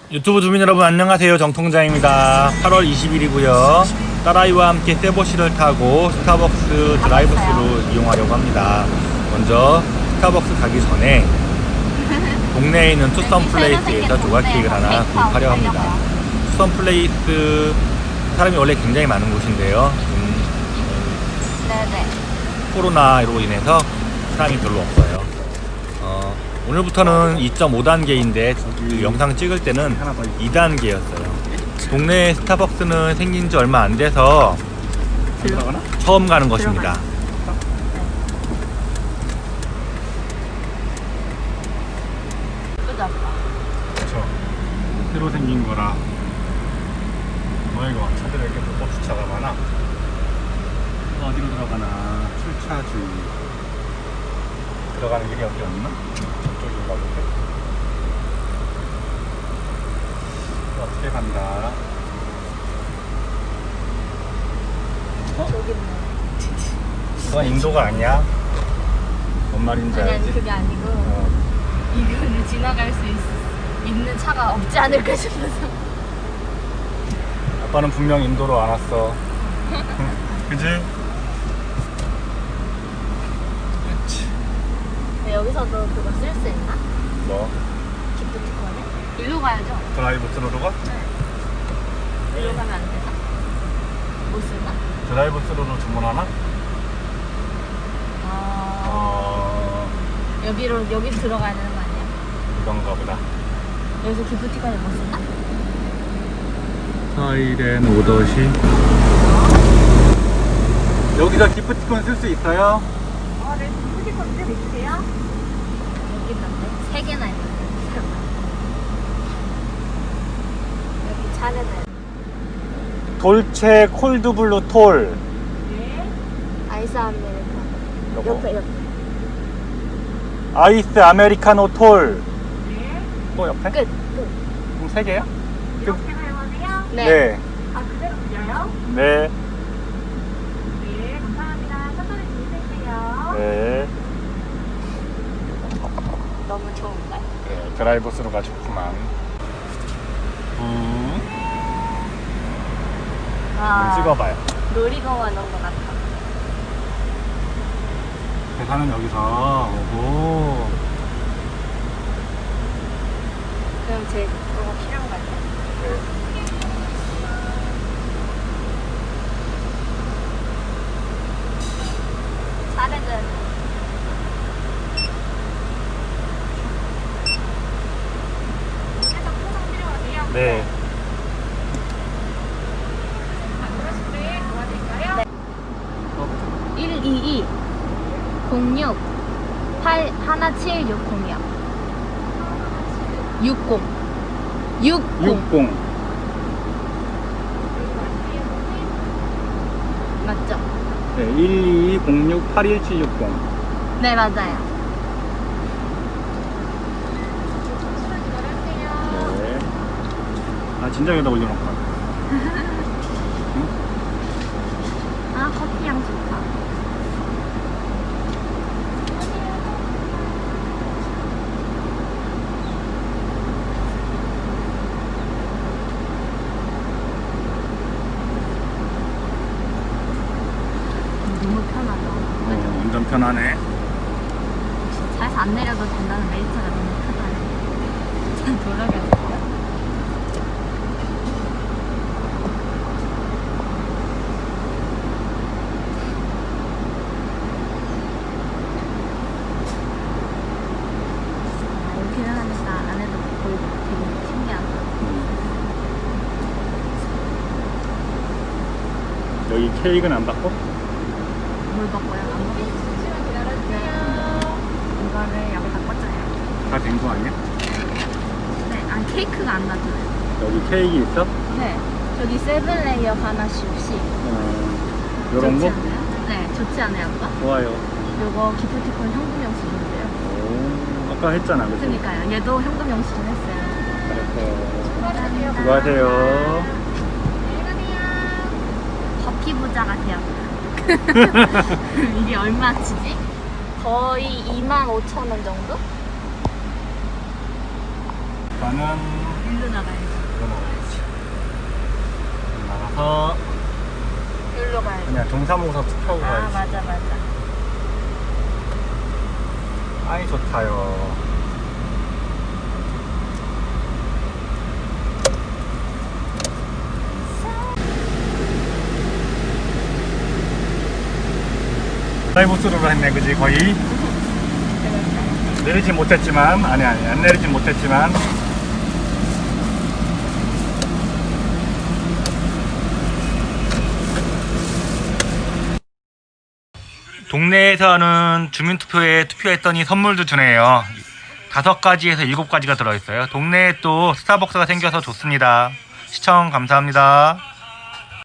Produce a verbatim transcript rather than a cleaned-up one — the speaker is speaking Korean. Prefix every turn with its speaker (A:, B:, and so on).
A: 유튜브 주민 여러분 안녕하세요. 정통장입니다. 팔월 이십일이고요 딸아이와 함께 세보시를 타고 스타벅스 드라이브스루 이용하려고 합니다. 먼저 스타벅스 가기 전에 동네에 있는 투썸 플레이스에서 조각 케이크를 하나 구입하려 합니다. 투썸 플레이스 사람이 원래 굉장히 많은 곳인데요. 음,
B: 네네.
A: 코로나로 인해서 사람이 별로 없어요. 어, 오늘부터는 이 점 오 단계인데 그 영상 찍을 때는 이 단계였어요. 동네 스타벅스는 생긴 지 얼마 안 돼서 처음 가는 것입니다. 그렇죠. 새로 생긴 거라. 뭐 이거 차들 이렇게 불법 주차가 많아. 어디로 들어가나? 출차 주의. 들어가는 길이 어디 없나? 저쪽인가 본데. 어떻게 간다? 어?
B: 저기 있네.
A: 그건 인도가 아니야. 뭔 말인지
B: 아니
A: 알지?
B: 아니 그게 아니고
A: 어.
B: 이거를 지나갈 수 있, 있는 차가 없지 않을까 싶어서.
A: 아빠는 분명 인도로 안 왔어. 그지?
B: 여기서도 그거 쓸 수 있나?
A: 뭐?
B: 기프티콘을? 일로 가야죠.
A: 드라이브 스루로 가?
B: 일로 가면 안 되나? 못 쓰나?
A: 드라이브 스루로 주문하나?
B: 아...
A: 어...
B: 여기로 여기 들어가야 되는 거 아니야?
A: 그런가 보다.
B: 여기서 기프티콘을 못 쓰나?
A: 사이렌 오더시. 여기서 기프티콘 쓸 수 있어요?
B: 어, 네. 기프티콘 좀 있으세요? 여기 있는데? 세 개나 있는데. 여기 차례는.
A: 돌체 콜드블루 톨.
B: 네. 아이스 아메리카노.
A: 요거.
B: 옆에 옆에.
A: 아이스 아메리카노 톨.
B: 네.
A: 또 옆에?
B: 끝. 끝.
A: 그럼 세 개야?
B: 이렇게 사용하세요? 네.
A: 네.
B: 아 그대로 드려요?
A: 네.
B: 네. 감사합니다. 천천히 주무세요.
A: 네.
B: 너무 좋은데?
A: 네. 드라이브 스루가 좋구만. 음.
B: 아.
A: 찍어봐요.
B: 놀이공원 온 것 같아.
A: 계산은 여기서 오고.
B: 그럼 제 그거 필요한 거 같아?
A: 네.
B: 차례는
A: 네.
B: 일이이 공육 팔 일칠육공이요. 육공 육공
A: 육공.
B: 맞죠?
A: 네. 일이이 공육 팔일칠육공.
B: 네 맞아요.
A: 네. 아 진짜 여기다 올려놓을까?
B: 아 커피 향 좋다. 너무 편하다.
A: 어, 완전 편하네.
B: 잘해서 안 내려도 된다는 메리트가 너무 크다. 돌아가겠어요? 아, 이렇게 하니까 안에도 보이고 되게 신기하다.
A: 여기 케이크는 안 받고?
B: 물 먹고요? 안 먹고? 잠시만 기다려주세요. 이거를 여기다 꽂아요.
A: 다 된 거 아니야?
B: 네, 아니 케이크가 안 나잖아요.
A: 여기 케이크 있어?
B: 네, 저기 세븐레이어 하나씩 혹시
A: 어, 요런
B: 좋지
A: 거?
B: 않아요? 네, 좋지 않아요, 아빠?
A: 좋아요.
B: 요거 기프티콘 현금 영수증인데요.
A: 오, 아까 했잖아, 그치?
B: 그러니까요. 얘도 현금 영수증 했어요.
A: 잘했어요. 수고하세요.
B: 버키 부자 같아요. 이게 얼마치지? 거의 이만 오천 원 정도?
A: 나는
B: 일로 나가요.
A: 더
B: 여기로 가야 돼.
A: 그냥 동사무소 투표하고
B: 아,
A: 가야지.
B: 맞아, 맞아.
A: 아이 좋다요. 드라이브 스루로 했네, 그지? 거의 내리진 못했지만, 아니 아니 안 내리진 못했지만. 동네에서는 주민투표에 투표했더니 선물도 주네요. 다섯 가지에서 일곱 가지가 들어있어요. 동네에 또 스타벅스가 생겨서 좋습니다. 시청 감사합니다.